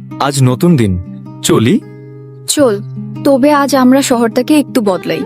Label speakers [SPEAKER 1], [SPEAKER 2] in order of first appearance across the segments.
[SPEAKER 1] আজ নতুন দিন, চলি।
[SPEAKER 2] চল, তবে আজ আমরা শহরটাকে একটু বদলাই।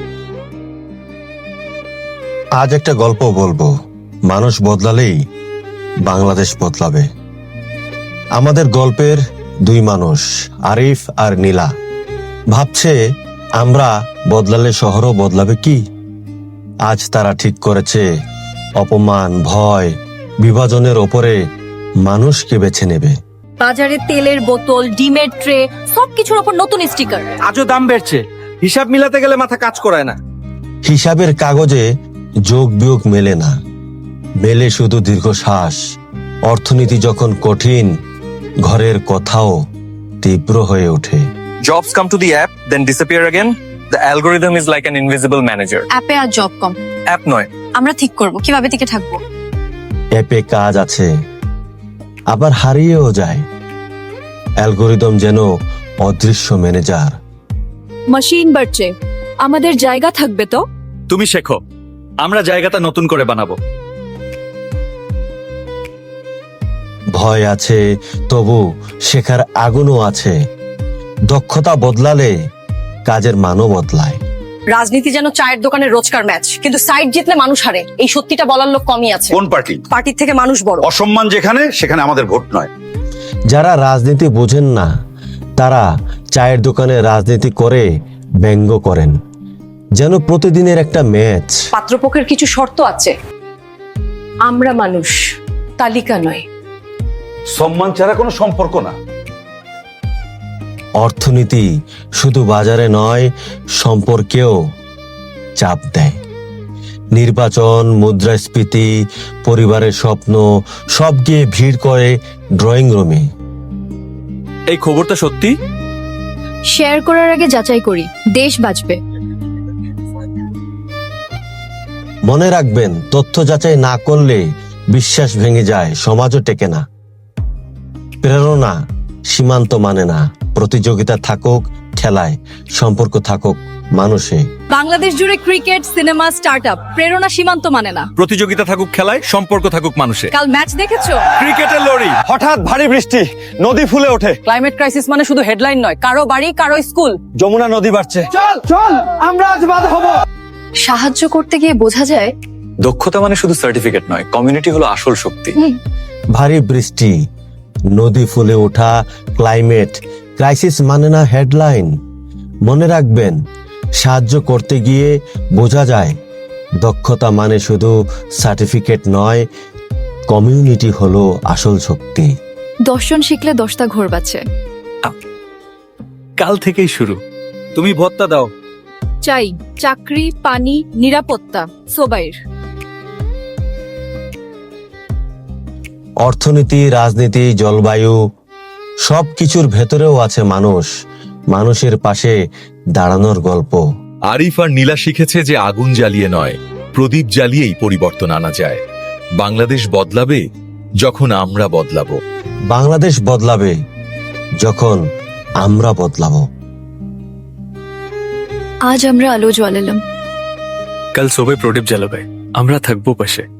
[SPEAKER 3] আজ একটা গল্প বলবো, মানুষ বদলালেই বাংলাদেশ বদলাবে। আমাদের গল্পের দুই মানুষ, আরিফ আর নীলা, ভাবছে আমরা বদলালে শহরও বদলাবে কি। আজ তারা ঠিক করেছে অপমান, ভয়, বিভাজনের ওপরে মানুষকে বেছে নেবে।
[SPEAKER 4] বাজারে তেলের বোতল, ডিমের ট্রে, সবকিছুর উপর নতুন স্টিকার।
[SPEAKER 1] আজও দাম বেড়েছে, হিসাব মিলাতে গেলে মাথা কাজ করায় না।
[SPEAKER 3] হিসাবের কাগজে যোগ বিয়োগ মেলে না, মেলে শুধু দীর্ঘশ্বাস। অর্থনীতি যখন কঠিন, ঘরের কথাও তীব্র হয়ে ওঠে।
[SPEAKER 5] Jobs come to the app, then disappear again. The algorithm is like an invisible manager.
[SPEAKER 4] অ্যাপে আর জব কম।
[SPEAKER 5] App নয়,
[SPEAKER 4] আমরা ঠিক করব কিভাবে টিকে থাকবো।
[SPEAKER 3] অ্যাপে কাজ আছে, আবার হারিয়েও যায়। অ্যালগোরিদম যেন অদৃশ্য ম্যানেজার।
[SPEAKER 4] মেশিন বাড়ছে, আমাদের জায়গা থাকবে তো।
[SPEAKER 1] তুমি শেখো, আমরা জায়গাটা নতুন করে বানাবো।
[SPEAKER 3] ভয় আছে, তবু শেখার আগুনও আছে। দক্ষতা বদলালে কাজের মানও বদলায়।
[SPEAKER 4] রাজনীতি যেন চায়ের দোকানের রোজকার ম্যাচ, কিন্তু সাইড জিতলে মানুষ হারে। এই সত্যিটা বলার লোক কমই আছে।
[SPEAKER 6] কোন পার্টি?
[SPEAKER 4] পার্টির থেকে মানুষ বড়।
[SPEAKER 6] অসম্মান যেখানে, সেখানে আমাদের ভোট নয়।
[SPEAKER 3] যারা রাজনীতি বোঝেন না, তারা চায়ের দোকানে রাজনীতি করে ব্যঙ্গ করেন, যেন প্রতিদিনের একটা ম্যাচ।
[SPEAKER 4] পাত্রপক্ষের কিছু শর্ত আছে। আমরা মানুষ, তালিকা নয়।
[SPEAKER 6] সম্মান ছাড়া কোনো সম্পর্ক না।
[SPEAKER 3] অর্থনীতি শুধু বাজারে নয়, সম্পর্কেও চাপ দেয়। নির্বাচন, মুদ্রাস্ফীতি, পরিবারের স্বপ্ন সব গিয়ে ভিড় করে ড্রয়িং রুমে।
[SPEAKER 1] এই খবরটা সত্যি?
[SPEAKER 2] শেয়ার করার আগে যাচাই করি, দেশ বাঁচবে।
[SPEAKER 3] মনে রাখবেন, তথ্য যাচাই না করলে বিশ্বাস ভেঙে যায়, সমাজও টেকে না। প্রেরণা সীমান্ত মানে না। প্রতিযোগিতা থাকুক খেলায়, সম্পর্ক থাকুক মানুষে।
[SPEAKER 4] বাংলাদেশ জুড়ে ক্রিকেট, সিনেমা, স্টার্টআপ, প্রেরণা সীমান্ত মানে না।
[SPEAKER 1] প্রতিযোগিতা থাকুক খেলায়, সম্পর্ক থাকুক মানুষে।
[SPEAKER 4] কাল ম্যাচ দেখেছো?
[SPEAKER 1] ক্রিকেটের লড়ি।
[SPEAKER 7] হঠাৎ ভারী বৃষ্টি, নদী ফুলে ওঠে।
[SPEAKER 4] ক্লাইমেট ক্রাইসিস মানে শুধু হেডলাইন নয়, কারো বাড়ি, কারো স্কুল।
[SPEAKER 7] যমুনা নদী বাড়ছে। চল আমরা আজ বাদ হব।
[SPEAKER 2] সাহায্য করতে গিয়ে বোঝা যায়
[SPEAKER 5] দক্ষতা মানে শুধু সার্টিফিকেট নয়, কমিউনিটি হলো আসল শক্তি।
[SPEAKER 3] ভারী বৃষ্টি, নদী ফুলে ওঠা, ক্লাইমেট ক্রাইসিস মানে না হেডলাইন। মনে রাখবেন, সাহায্য করতে গিয়ে বোঝা যায় দক্ষতা মানে শুধু সার্টিফিকেট নয়, কমিউনিটি হলো আসল শক্তি।
[SPEAKER 2] দর্শন শিখলে 10টা ঘোর বাঁচে।
[SPEAKER 1] কাল থেকেই শুরু। তুমি ভত্তা দাও।
[SPEAKER 4] চাই চাকরি, পানি, নিরাপত্তা, সোবাইর।
[SPEAKER 3] অর্থনীতি, রাজনীতি, জলবায়ু সবকিছুর ভেতরেও আছে মানুষ, মানুষের পাশে দাঁড়ানোর গল্প।
[SPEAKER 8] আরিফ আর নীলা শিখেছে যে আগুন জ্বালিয়ে নয়, প্রদীপ জ্বালিয়েই পরিবর্তন আনা যায়। বাংলাদেশ বদলাবে যখন আমরা বদলাবো।
[SPEAKER 3] বাংলাদেশ বদলাবে যখন আমরা বদলাবো।
[SPEAKER 2] আজ আমরা আলো জ্বালালাম,
[SPEAKER 1] কাল সবাই প্রদীপ জ্বালাবে, আমরা থাকবো পাশে।